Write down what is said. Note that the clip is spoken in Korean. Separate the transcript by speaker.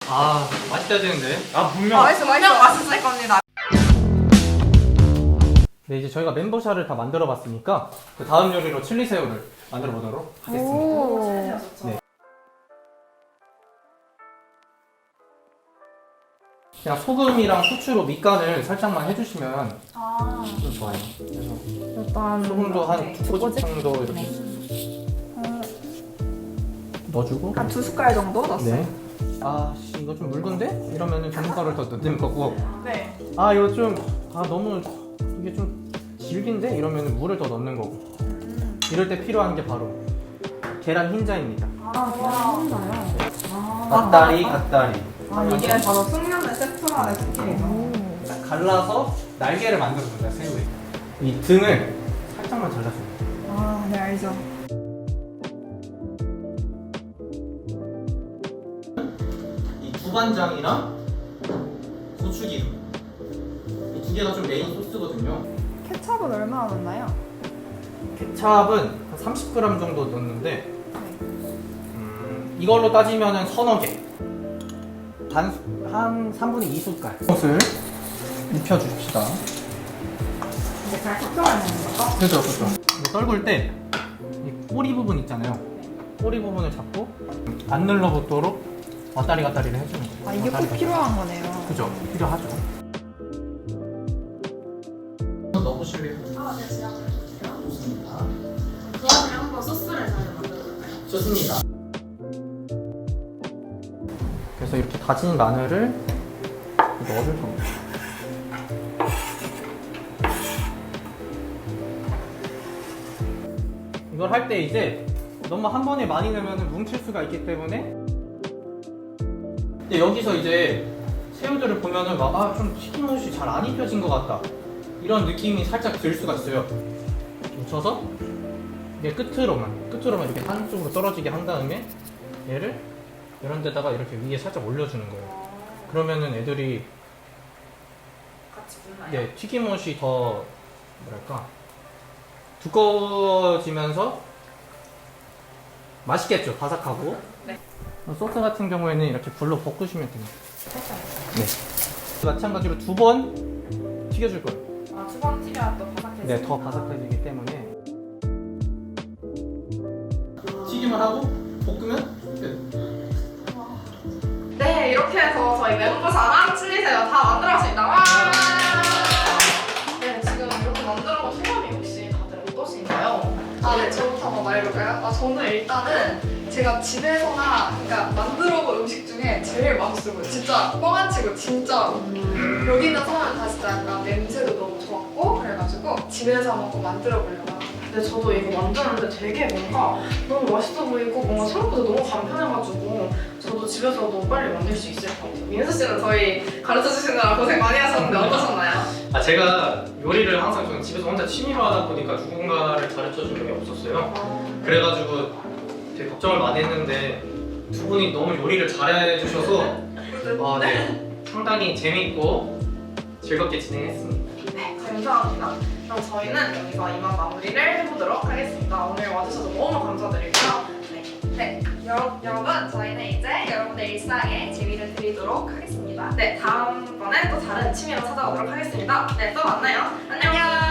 Speaker 1: 아, 맛있어야 되는데.
Speaker 2: 분명 맛있을 겁니다.
Speaker 1: 네, 이제 저희가 멘보샤를 다 만들어 봤으니까 그 다음 요리로 칠리 새우를 만들어 보도록 하겠습니다.
Speaker 3: 오.
Speaker 1: 네. 그냥 소금이랑 후추로 밑간을 살짝만 해주시면 좀 좋아요. 그래서
Speaker 3: 일단
Speaker 1: 소금도 한
Speaker 3: 네,
Speaker 1: 2꼬집 정도 이렇게
Speaker 3: 네.
Speaker 1: 넣어주고.
Speaker 2: 한 2숟갈 정도 넣었어요.
Speaker 1: 네. 아, 씨, 이거 좀 묽은데? 이러면은 전분가루를 더 넣는 거고.
Speaker 2: 네.
Speaker 1: 아, 이거 좀, 너무, 이게 좀 질긴데? 이러면 물을 더 넣는 거고. 이럴 때 필요한 게 바로 계란 흰자입니다.
Speaker 3: 계란인가요?
Speaker 1: 갓다리.
Speaker 2: 이게 바로 숙련된 셰프만의 스킬이죠.
Speaker 1: 딱 갈라서 날개를 만들어줍니다, 새우에. 이 등을 살짝만 잘라줍니다.
Speaker 2: 네, 알죠.
Speaker 1: 이 두반장이랑 고추기름. 이 두 개가 좀 메인 소스거든요.
Speaker 2: 케첩은 얼마나 넣나요?
Speaker 1: 케찹은 한 30g 정도 넣는데, 이걸로 따지면 서너 개. 한 3분의 2숟갈. 소스를 입혀줍시다.
Speaker 2: 이제 잘 섞여야 되는 거죠?
Speaker 1: 그죠. 이거 떨굴 때 이 꼬리 부분 있잖아요. 꼬리 부분을 잡고 안 눌러붙도록 왔다리를 해주는 거예요.
Speaker 2: 이게 꼭 필요한 거네요.
Speaker 1: 그죠. 필요하죠. 넣어보실래요?
Speaker 4: 네, 제가
Speaker 1: 좋습니다.
Speaker 4: 그 와중에 한번 소스를 잘 만들어볼까요?
Speaker 1: 좋습니다. 그래서 이렇게 다진 마늘을 넣어줄 겁니다. 이걸 할 때 이제 너무 한 번에 많이 넣으면 뭉칠 수가 있기 때문에, 근데 여기서 이제 새우들을 보면은 막 좀 튀김옷이 잘 안 입혀진 것 같다, 이런 느낌이 살짝 들 수가 있어요. 묻혀서 이게 끝으로만 이렇게 한쪽으로 떨어지게 한 다음에 얘를 이런 데다가 이렇게 위에 살짝 올려주는 거예요. 그러면은 애들이
Speaker 4: 같이 굽나요?
Speaker 1: 네, 튀김옷이 더 뭐랄까 두꺼워지면서 맛있겠죠, 바삭하고.
Speaker 4: 네.
Speaker 1: 소스 같은 경우에는 이렇게 불로 볶으시면 됩니다. 네. 마찬가지로 2번 튀겨줄 거예요.
Speaker 4: 두 번 튀겨야 또 바삭해지죠?
Speaker 1: 네, 더 바삭해지기 때문에 튀김을 하고 볶으면 끝.
Speaker 4: 네, 이렇게 해서 저희 멘보샤랑 칠리새우 다 만들었습니다. 와! 네, 지금 이렇게 만들어본 소감이 혹시 다들 어떠신가요? 네, 저부터 한번 말해볼까요? 저는 일단은 제가 집에서나 그러니까 만들어본 음식 중에 제일 맛있어요. 진짜 뻥 안 치고 진짜로. 여기 있는 사람은 다 진짜 약간 냄새도 너무 좋았고 그래가지고 집에서 한번 만들어보려고. 근데 저도 이거 만드는데 되게 뭔가 너무 맛있어 보이고 뭔가 생각보다 너무 간편해가지고 저도 집에서 너무 빨리 만들 수 있을 것 같아요. 민수 씨는 저희 가르쳐 주시느라 고생 많이 하셨는데 어떠셨나요?
Speaker 1: 제가 요리를 항상 저는 집에서 혼자 취미로 하다 보니까 누군가를 가르쳐 준 적이 없었어요. 그래가지고 되게 걱정을 많이 했는데 두 분이 너무 요리를 잘해 주셔서 네, 상당히 재밌고 즐겁게 진행했습니다.
Speaker 4: 네, 감사합니다. 그럼 저희는 여기서 이만 마무리를 해보도록 하겠습니다. 오늘 와주셔서 너무 감사드리고요. 네, 여러분 저희는 이제 여러분들 일상에 재미를 드리도록 하겠습니다. 네, 다음번에 또 다른 취미로 찾아오도록 하겠습니다. 네, 또 만나요. 안녕!